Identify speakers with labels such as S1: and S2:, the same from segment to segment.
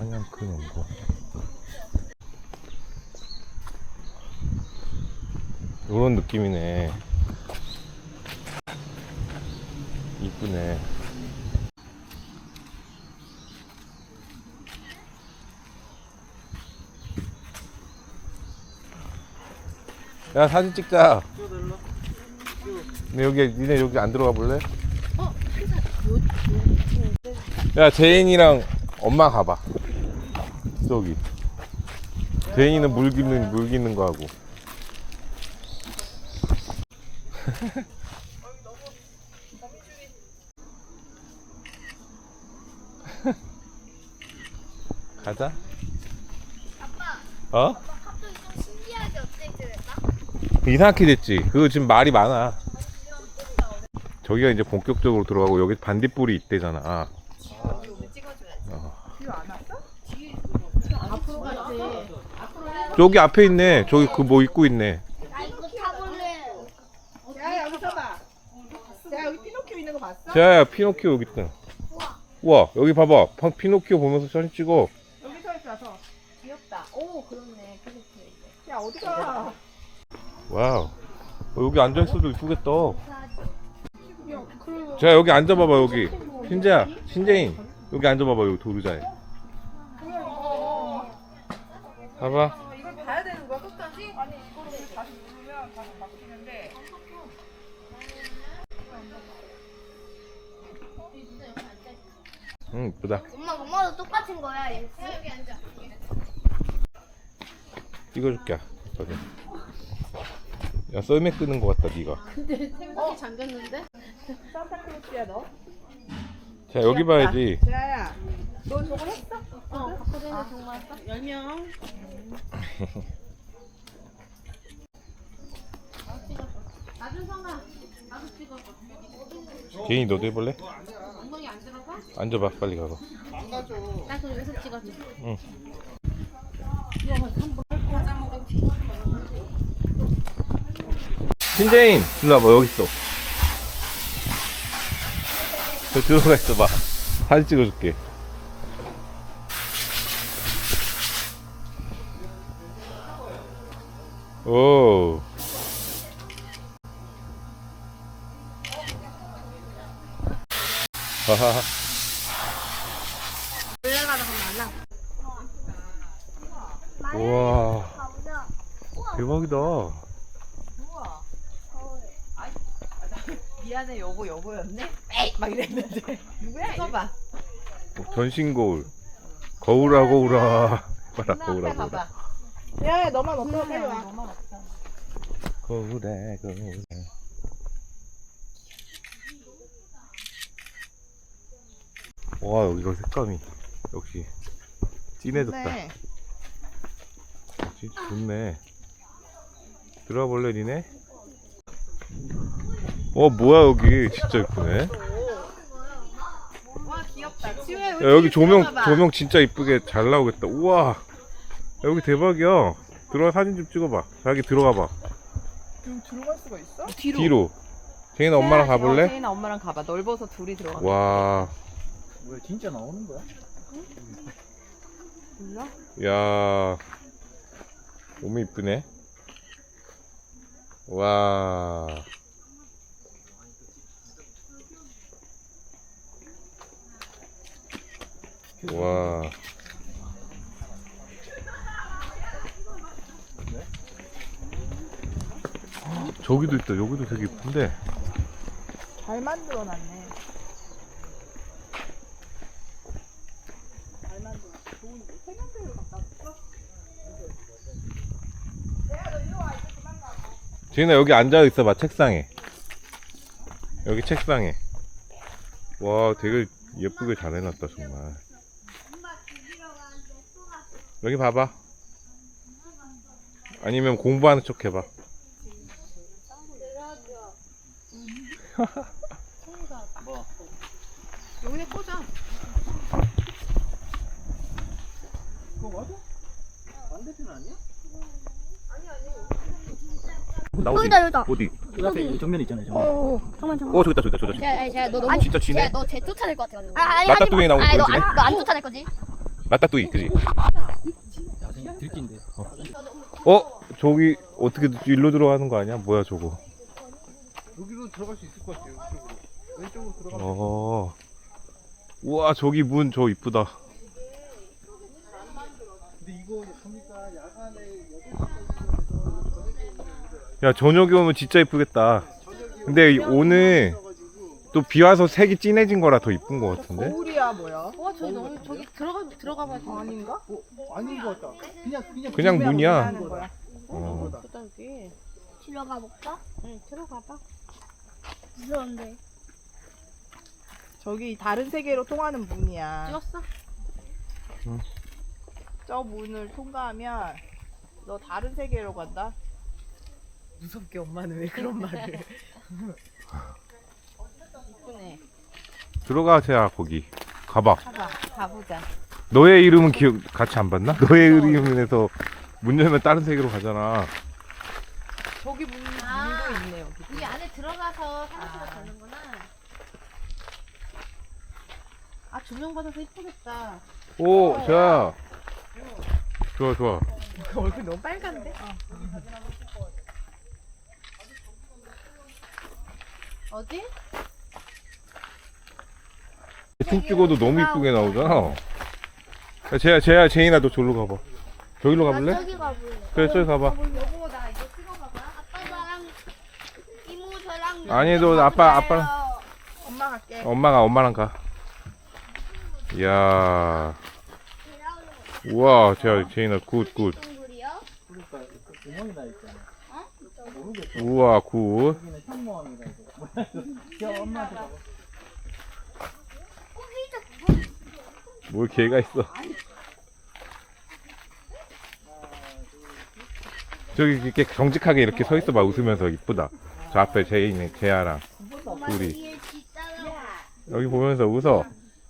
S1: 사냥꾼 원고. 요런 느낌이네. 이쁘네. 야, 사진 찍자. 근데 니네 여기 안 들어가 볼래? 야, 제인이랑 엄마 가봐. 저기. 제인이는 물 기는 거 하고. 가자.
S2: 아빠,
S1: 어?
S2: 아빠 갑자기 좀 신기하게 업데이트를 했다?
S1: 이상하게 됐지. 그거 지금 말이 많아. 저기가 이제 본격적으로 들어가고 여기 반딧불이 있대잖아.
S2: 앞으로 갔지.
S1: 저기 앞에 있네. 저기 그 뭐 입고 있네.
S2: 나 이거 타볼래.
S3: 야, 여기 서봐. 야, 여기 피노키오 있는 거 봤어?
S1: 자, 피노키오 여기 있다. 우와, 여기 봐봐. 피노키오 보면서 사진 찍어.
S3: 여기 서 있어서.
S2: 귀엽다. 오, 그렇네. 피노키오 있네.
S3: 야, 어디가?
S1: 와우. 여기 앉아있어도 이쁘겠다.
S3: 야, 그리고
S1: 자, 여기 앉아봐봐, 여기. 신재야, 신재인. 여기 앉아봐봐, 여기 도르자에. 봐봐.
S3: 이걸 봐야 되는 거야, 끝까지? 아니, 이거를 다시 누르면 다시 바뀌는데.
S1: 응, 이쁘다.
S2: 엄마도 똑같은 거야. 얘. 여기 앉아.
S1: 찍어줄게. 저기. 야, 썰매 끄는 거 같다, 니가.
S2: 근데 생각이 잠겼는데?
S3: 산타크로스야, 너?
S1: 자, 여기 봐야지.
S3: 재아야, 너 저걸 했어?
S2: 바꿔주는 정말 했어? 10명. 나준성아, 나도 찍어봐.
S1: 개인이 너도 해볼래?
S2: 엉덩이 안 들어가?
S1: 앉아봐, 빨리 가서.
S2: 나 그럼 여기서 찍어줘.
S1: 응. 신재인, 일로 와봐, 여기 있어. 저 들어가 있어봐. 사진 찍어줄게. 오. 하하하.
S2: 올라가다 가면 안 나.
S1: 우와,
S2: 가보자.
S1: 대박이다.
S3: 미안해, 여보였네? 에이! 막 이랬는데. 누구야? 써봐.
S1: 전신 거울. 거울아, 거울아. 봐라, 거울아, 거울아.
S3: 야, 너만 없어, 빨리 와.
S1: 거울아, 거울아. 와, 여기가 색감이 역시 진해졌다.
S3: 네.
S1: 역시 좋네. 들어가 볼래, 니네? 뭐야, 여기 진짜 이쁘네.
S3: 와, 귀엽다. 지우야,
S1: 야, 여기 조명 진짜 이쁘게 잘 나오겠다. 우와, 여기 대박이야. 들어가 사진 좀 찍어봐. 자기 들어가봐.
S3: 지금 들어갈 수가 있어?
S1: 뒤로. 제인아, 엄마랑 가볼래?
S3: 제인아, 엄마랑 가봐. 넓어서 둘이 들어가.
S1: 와,
S4: 뭐야, 진짜 나오는 거야?
S3: 몰라?
S1: 야, 너무 이쁘네. 와, 와. 저기도 있다. 여기도 되게 이쁜데.
S3: 잘 만들어놨네. 잘 만들어놨어. 좋은데. 세면대를 갖다 놨어?
S1: 제인아, 여기 앉아 있어봐. 책상에. 여기 책상에. 와, 되게 예쁘게 잘 해놨다, 정말. 여기 봐봐. 아니면 공부하는 척 해봐.
S4: 뭐?
S3: 여기에 꽂아.
S4: 그거 맞아? 반대편 아니야?
S2: 여기다, 여기다.
S1: 어디?
S4: 그 앞에 정면 있잖아요. 정면.
S2: 잠깐만.
S1: 저기 있다, 저기 있다, 저기 있다.
S2: 야, 너 너무
S1: 진짜 지네?
S2: 너쟤 쫓아낼 것 같아. 아니,
S1: 맞다뚱이 나오고
S2: 아니,
S1: 보여주네.
S2: 너안 쫓아낼 거지?
S1: 라따뚜이, 그지?
S4: 야, 진짜 들긴데.
S1: 저기 어떻게 일로 들어가는 거 아니야? 뭐야 저거?
S5: 여기로 들어갈 수 있을 것 같아요. 이쪽으로. 왼쪽으로 들어가면.
S1: 우와 저기 문 저 이쁘다.
S5: 근데 이거 보니까 야간에
S1: 야 저녁에 오면 진짜 이쁘겠다. 근데 오늘 또 비 와서 색이 진해진 거라 더 이쁜 거 같은데?
S3: 거울이야 뭐야?
S2: 와 저기 너무 저기 들어가 봐야 돼.
S3: 아닌가?
S5: 아닌 것 같다.
S1: 그냥 문이야.
S3: 하는 거야.
S2: 예쁘다 여기.
S6: 들어가 볼까?
S2: 응 들어가 봐.
S6: 무서운데.
S3: 저기 다른 세계로 통하는 문이야.
S2: 찍었어?
S3: 저 문을 통과하면 너 다른 세계로 간다. 무섭게 엄마는 왜 그런 말을?
S2: 이쁘네.
S1: 들어가 세야 거기. 가봐.
S3: 가보자.
S1: 너의 이름은 기억 같이 안 봤나? 너의 이름에서 문 열면 다른 세계로 가잖아.
S3: 저기 문도 있네 여기.
S2: 이 안에 들어가서 사진 찍어 되는구나. 아 조명 받아서 이쁘겠다.
S1: 오, 세야. 좋아 좋아.
S3: 얼굴 너무 빨간데?
S2: 어디?
S1: 대충 찍어도 너무 이쁘게 나오잖아. 야, 제인아 너 저기로 가봐. 저기로 가볼래?
S6: 저기 가볼래.
S1: 그래 저기 가봐.
S2: 여보 나 이거 찍어봐봐.
S6: 아빠 나랑 이모 저랑.
S1: 아니 너 아빠랑
S3: 엄마 갈게.
S1: 엄마랑 가. 이야. 우와 제인아 굿.
S6: 동굴이요?
S4: 그러니까 구멍이 나 있잖아.
S1: 우와 굿.
S4: 여기는 현모함이다 이거. 야, 엄마한테 가봐.
S1: 뭘 개가 있어. 저기 이렇게 정직하게 이렇게 서 있어봐. 웃으면서 이쁘다. 저 앞에 제아랑 둘이 여기 보면서 웃어.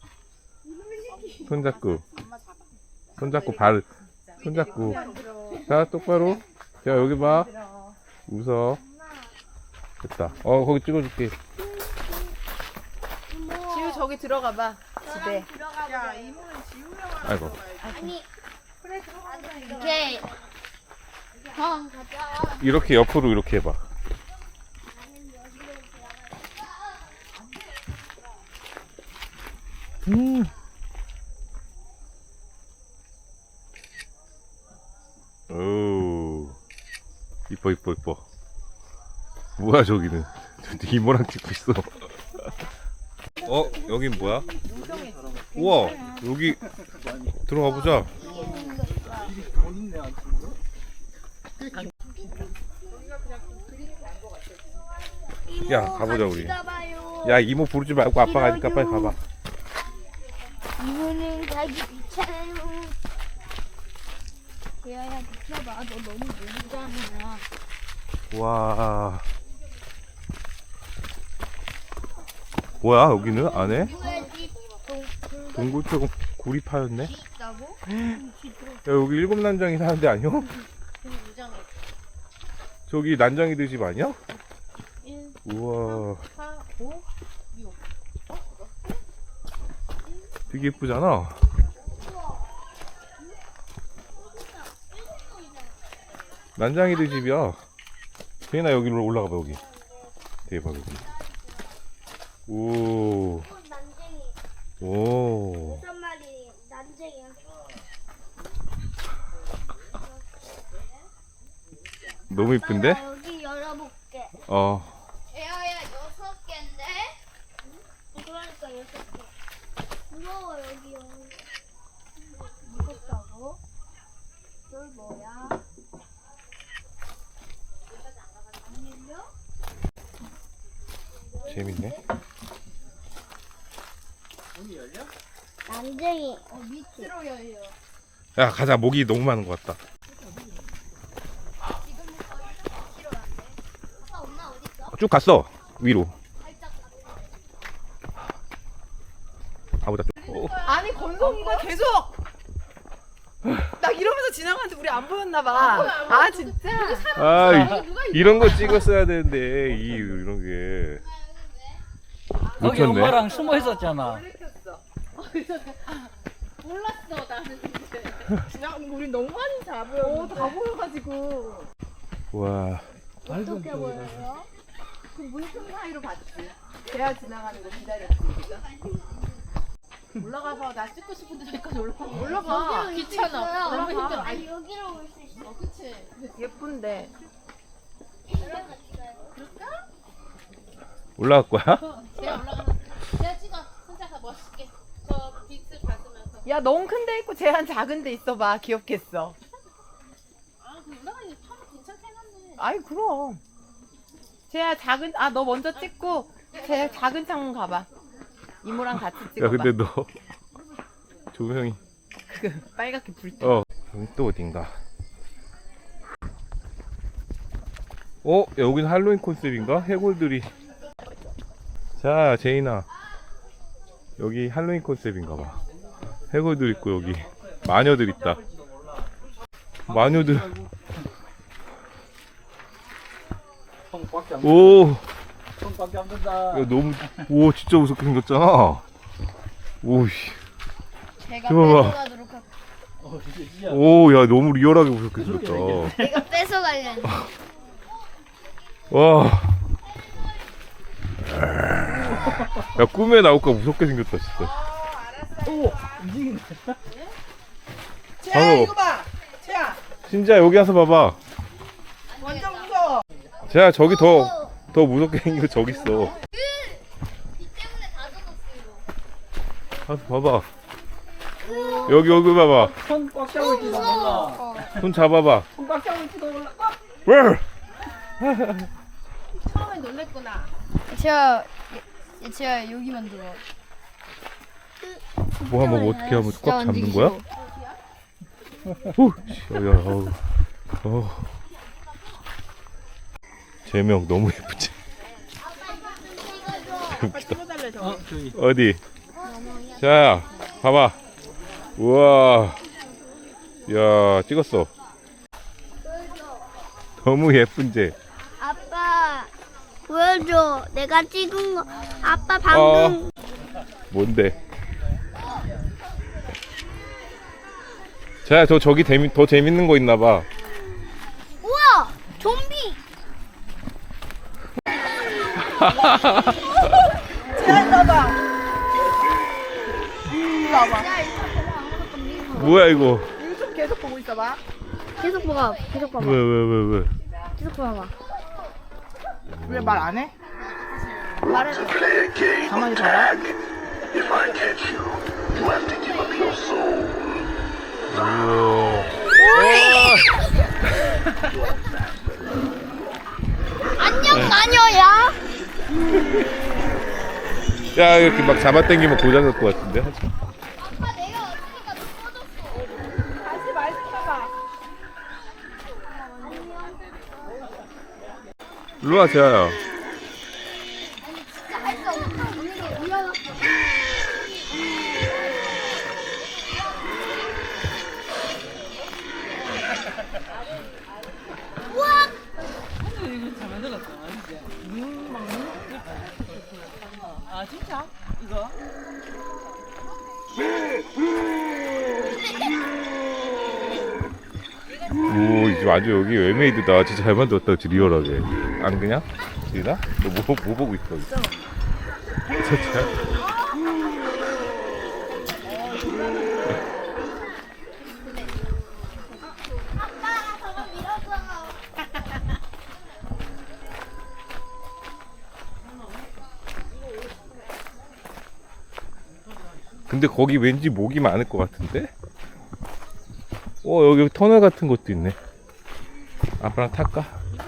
S1: 손잡고 자 똑바로. 자 여기 봐. 웃어. 됐다. 거기 찍어줄게.
S3: 지우 저기 들어가 봐. 집에.
S6: 들어가
S3: 야
S6: 볼래.
S3: 이모는 지우려고
S1: 아이고.
S6: 아니
S3: 그래 들어가.
S6: 이렇게. 가자.
S1: 이렇게 옆으로 이렇게 해봐. 오, 이뻐. 뭐야 저기는? 이모랑 찍고 있어. 여긴 뭐야? 우와, 여기 들어가 보자.
S4: 본인네 안 친구?
S1: 야, 가보자, 우리.
S6: 가봐요.
S1: 야, 이모 부르지 말고 아빠 가니까 빨리 가봐.
S6: 이모는 가기 귀찮아요. 대야야 비켜봐. 너 너무 모르잖아.
S1: 와. 뭐야 여기는 안에?
S6: 뭐야지?
S1: 동굴처럼 굴이 파였네. 야
S6: 있다고?
S1: 여기 일곱 난장이 사는 데 아니야? 저기 난장이들 집 아니야?
S2: 1,
S1: 우와
S2: 4, 5.
S1: 되게 예쁘잖아. 난장이들 집이야. 제인아 여기로 올라가봐 여기. 대박 여기. 오.
S6: 난쟁이.
S1: 오.
S6: 무슨 말이 난쟁이야?
S1: 너무 이쁜데?
S6: 나 여기 열어볼게. 대야야 6개인데? 그러니까 6개. 무서워 여기. 무섭다고? 널 뭐야? 안 열려?
S1: 재밌네.
S6: 난쟁이. 밑으로 열려.
S1: 야 가자. 모기 너무 많은 것 같다.
S6: 아빠 엄마 어디 있어?
S1: 쭉 갔어 위로. 가보자.
S3: 아니 건성이가 계속 나 이러면서 지나가는데 우리 안 보였나 봐. 아 진짜?
S1: 이런 거 찍었어야 되는데 이런 게
S4: 거기
S1: 놓쳤네.
S4: 엄마랑 숨어 있었잖아.
S2: 몰랐어 나는 근데.
S3: 그냥 우리 너무 많이 잡아요.
S2: 다 보여가지고.
S1: 와.
S2: 어떻게 보여요? 그 물통 사이로 봤지. 대야 지나가는 거 기다렸지. 그죠? 올라가서 나 찍고 싶은데 저기까지 올라가. 귀찮아. 너무 힘들어.
S6: 아니 여기로 올 수 있어.
S2: 그치.
S3: 예쁜데.
S1: 올라갈 거야?
S2: 제가 올라가서 내가 찍어. 혼자서 멋있게. 저 빛을 받으면서.
S3: 야 너무 큰 데 있고 제한 작은 데 있어봐. 귀엽겠어.
S2: 아, 그 올라가니 참 괜찮게 해놨네.
S3: 아이 그럼. 쟤야 작은 너 먼저 찍고 쟤 작은 창문 가봐. 이모랑 같이
S1: 야
S3: 찍어봐.
S1: 근데 너 조명이
S3: 그 빨갛게 불 때.
S1: 여기 또 어딘가. 여긴 할로윈 컨셉인가? 해골들이. 자 제인아, 여기 할로윈 컨셉인가봐. 해골들 있고 여기 마녀들 있다. 마녀들.
S4: 형밖에 안
S1: 오,
S4: 형밖에 안 된다.
S1: 야, 너무, 오, 진짜 무섭게 생겼잖아. 오씨.
S6: 제가
S1: 좋아.
S6: 뺏어가도록 할게.
S4: 진짜.
S1: 오, 야, 너무 리얼하게 무섭게 생겼다.
S6: 내가 뺏어가려는.
S1: 와. 야, 꿈에 나올까 무섭게 생겼다, 진짜.
S4: 오 움직이네.
S3: 쟤야
S1: 바로.
S3: 이거 봐. 쟤야
S1: 진짜 여기 와서 봐봐.
S3: 완전 무서워.
S1: 자, 저기 더 무섭게 생긴 거 저기 있어.
S6: 비 때문에 다 젖었어 이거.
S1: 가서 봐봐. 여기 봐봐.
S4: 손꽉 잡고 있지도 몰라.
S1: 손 잡아봐.
S4: 손꽉 잡고 있지도 몰라.
S1: 왜?
S2: 처음에 놀랬구나.
S6: 제가 여기만 들어.
S1: 뭐 한번 어떻게 하면 꽉 잡는 거야? 후, 야, 제명 너무 예쁘지?
S3: 아빠 찍어달래 저거.
S4: 저기.
S1: 어디? 자, 봐봐. 우와. 야, 찍었어. 너무 예쁜지?
S6: 아빠 보여줘. 내가 찍은 거. 아빠 방금
S1: 뭔데? 자, 저기 더 재밌는 거 있나 봐.
S6: 우와 좀비.
S3: 쟤야 이거 봐. 이거 봐봐.
S1: 뭐야, 이거?
S3: 유튜브 계속 보고 있어봐.
S6: 계속 봐봐. 계속 봐봐.
S1: 왜?
S6: 계속 봐봐.
S3: 왜 말 안 해?
S6: 말해줘.
S3: 가만히 봐봐.
S1: 우와.
S6: 안녕 마녀야.
S1: 야, 이렇게 막 잡아당기면 고장날 것 같은데? 하지 마.
S6: 아빠 내가 어떻게가 넘어졌어.
S3: 다시 말 시켜봐.
S1: 일로 와, 재아야.
S6: 진짜 할 수 없어. 언니가 위험해. 우와.
S3: 아 진짜? 이거?
S1: 오, 이제 아주 여기 웨메이드다. 진짜 잘 만들었다, 진짜 리얼하게. 안 그냥? 지나? 너 뭐 보고 있어? 진짜?
S6: 아빠가 저거 밀어줘.
S1: 근데 거기 왠지 목이 많을 것 같은데? 여기 터널 같은 것도 있네. 아빠랑 탈까?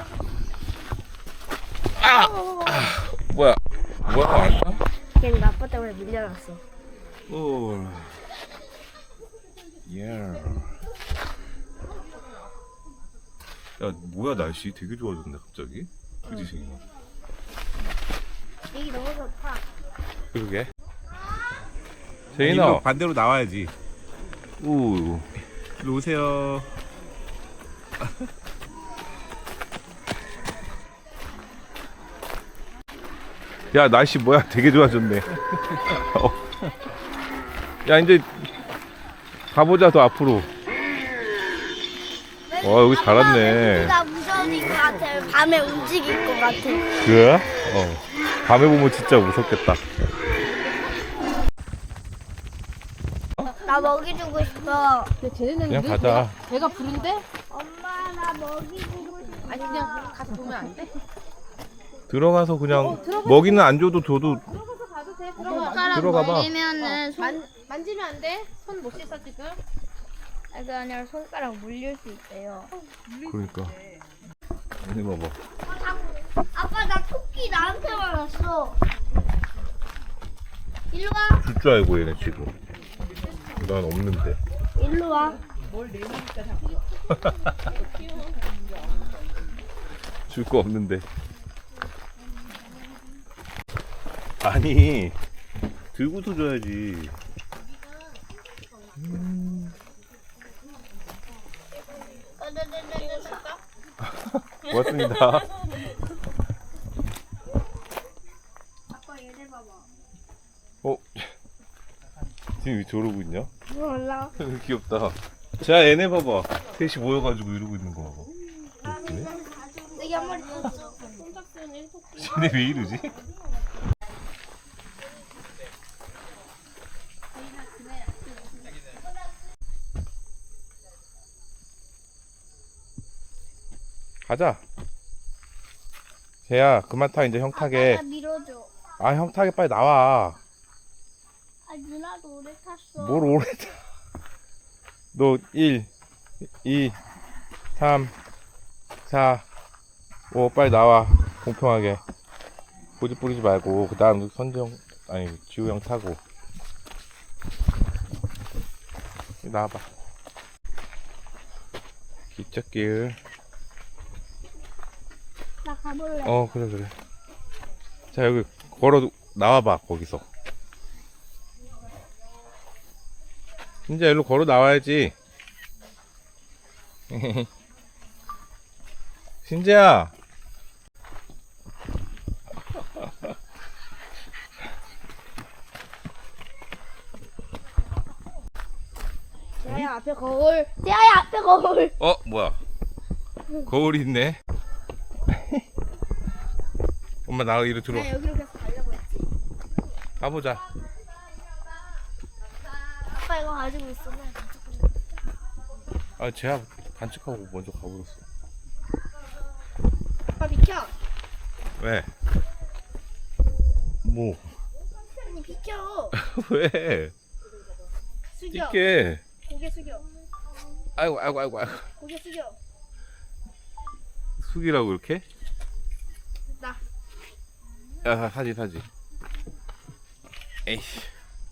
S1: 뭐야? 왔다?
S6: 걔는 아빠 때문에 밀려났어.
S1: 오. 예. 야, 뭐야, 날씨 되게 좋아졌네, 갑자기. 그지, 지금?
S6: 여기 너무 좋다.
S1: 그러게. 제인아.
S5: 반대로 나와야지.
S1: 오.
S5: 일로 오세요.
S1: 야, 날씨 뭐야? 되게 좋아졌네. 야, 이제 가보자 더 앞으로. 와 여기 잘 왔네.
S6: 나 무서울 것 같아. 밤에 움직일 것 같아.
S1: 그래? 밤에 보면 진짜 무섭겠다.
S6: 나 먹이 주고 싶어.
S2: 근데 쟤네는
S1: 그냥 가자.
S2: 배가 부른데?
S6: 엄마 나 먹이 주고 싶어.
S2: 아니 그냥 가서 보면 안 돼?
S1: 들어가서 그냥 먹이는 안 줘도 줘도
S2: 들어가서 가도 돼.
S6: 손가락
S1: 들어가 봐.
S6: 물리면은
S2: 만지면 안 돼? 손 못 씻어 지금?
S6: 그게 아니라 손가락 물릴 수 있대요.
S1: 그러니까. 얘네 봐봐.
S6: 아빠 나 토끼 나한테 말았어. 일로 와.
S1: 줄 줄 알고 얘네 지금. 난 없는데.
S6: 일로 와.
S1: 줄 거 없는데. 아니 들고서 줘야지. 고맙습니다.
S6: 아빠 얘네 봐봐.
S1: 지금 왜 저러고 있냐?
S6: 몰라.
S1: 귀엽다. 자 얘네 봐봐. 셋이 모여가지고 이러고 있는 거 봐봐. 웃기네.
S6: 여기 한 마리 떴어.
S2: 손잡수는 토끼.
S1: 쟤네 왜 이러지? 가자. 쟤야 그만 타 이제 형 타게.
S6: 나 밀어줘.
S1: 아 형 타게 빨리 나와.
S6: 아 누나도 오래 탔어.
S1: 뭘 오래 타. 너 1, 2, 3, 4, 5 빨리 나와. 공평하게. 고집 부리지 말고 그 다음 선정 아니 지우 형 타고. 나와봐. 기찻길.
S6: 나 가볼래.
S1: 그래 그래. 자 여기 걸어 나와봐 거기서. 진짜 일로 걸어 나와야지. 신재야.
S6: 대야 앞에 거울. 대야 앞에 거울.
S1: 뭐야? 거울이 있네. 엄마 나 이리 들어.
S6: 나 여기로 계속 가려고 했지.
S1: 가보자.
S6: 아빠 이거 가지고 있으면.
S1: 쟤야 간직하고 먼저 가버렸어.
S6: 아빠 비켜.
S1: 왜? 뭐?
S6: 아니 비켜.
S1: 왜?
S6: 숙여.
S1: 뛸게.
S6: 고개 숙여.
S1: 아이고.
S6: 고개 숙여.
S1: 숙이라고 이렇게?
S6: 나.
S1: 야 사지. 에이씨.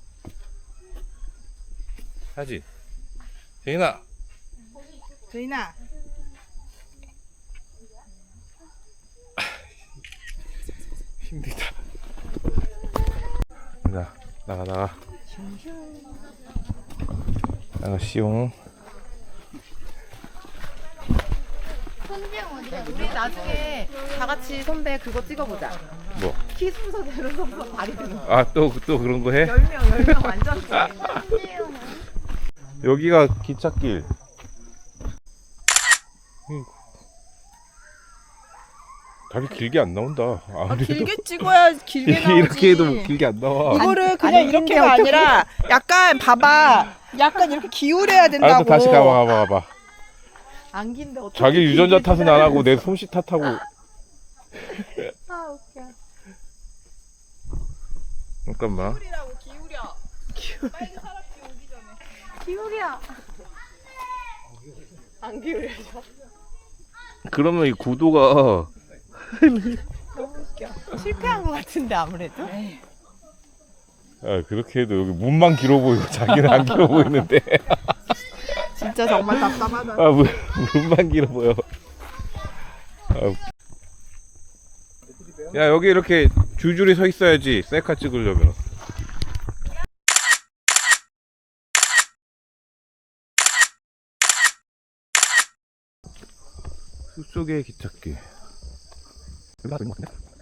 S1: 사지. 재인아.
S3: 저희나
S1: 힘들다. 자, 나가. 씨용.
S6: 손정 어디가?
S3: 우리 나중에 다 같이 선배 그거 찍어보자.
S1: 뭐?
S3: 키 순서 내려서 다리 드는 거.
S1: 또 그런 거 해?
S3: 10명 완전 좋아.
S6: 손재영은?
S1: 여기가 기찻길. 다리 길게 안 나온다.
S3: 길게 찍어야 길게 나오지.
S1: 이렇게 해도 길게 안 나와.
S3: 이거를 그냥 이렇게가 아니라 약간 봐봐. 약간 이렇게 기울여야 된다고.
S1: 알았어, 다시 가봐.
S3: 안긴데 어떻게?
S1: 자기 유전자 탓은 안 하고 내 솜씨 탓하고.
S3: 아 웃겨.
S1: 잠깐만.
S3: 기울이라고 기울여. 빨리 사람 오기 전에.
S6: 기울여.
S3: 안 기울여져.
S1: 그러면 이 구도가
S3: 너무 웃겨. 실패한 것 같은데 아무래도.
S1: 그렇게 해도 여기 문만 길어 보이고 자기는 안 길어 보이는데.
S3: 진짜 정말 답답하다.
S1: 문만 길어 보여. 야 여기 이렇게 줄줄이 서 있어야지 셀카 찍으려면. 숲속의 기찻길. 여기 가도 있는 것 같은데?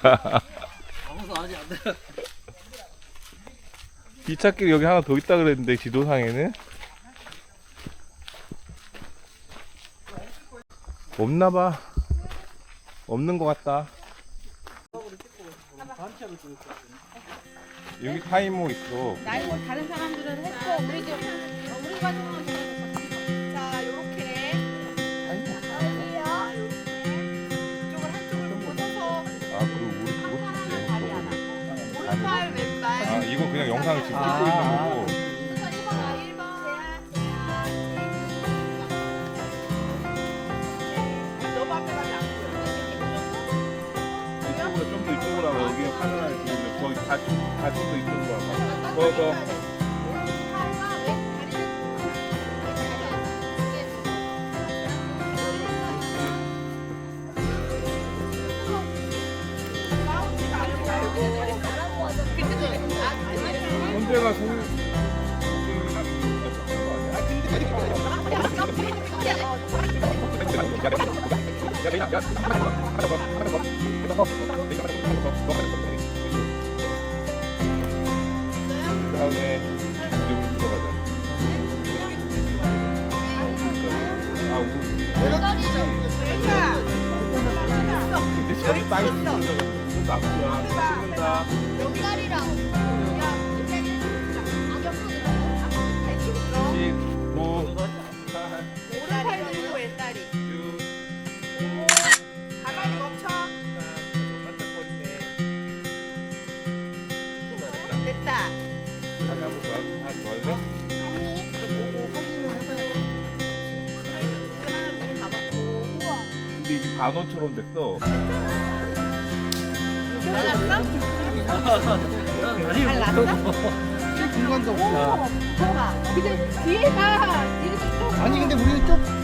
S4: 아무도 아직 안 돼.
S1: 기찻길 여기 하나 더 있다 그랬는데 지도상에는 없나봐. 없는 것 같다. 여기 타이머 있어.
S2: 나 이거 다른 사람들은 했고 우리 가족은 자 요렇게 이쪽을 한쪽을 걷어서
S1: 아, 그리고 우리 그거
S2: 다리 하나 오른발 왼발
S1: 아, 이건 그냥 영상을 지금 찍고 있는 거고.
S2: 1번 너무 앞에 가면 안 보여
S1: 이쪽으로 좀 더 이쪽으로 하고 여기 카메라에 들어오면 거의 다좀더 이쪽으로 하고. 더. 언제가 그다음에 이쪽으로 들어가자. 아, 근데 저기 땅이 좀 나쁘야. 찍는다.
S6: 다리랑. 야, 악역
S1: 19,
S2: 오른팔 들고 왼다리
S1: 6,
S2: 가만히 멈춰 됐다
S1: 다시 한번 더 할래? 근데 이게 반원처럼 됐어.
S5: 공간도 없어.
S2: 봐봐 근데 뒤에가 이렇게 좀
S4: 아니 근데 우리는 좀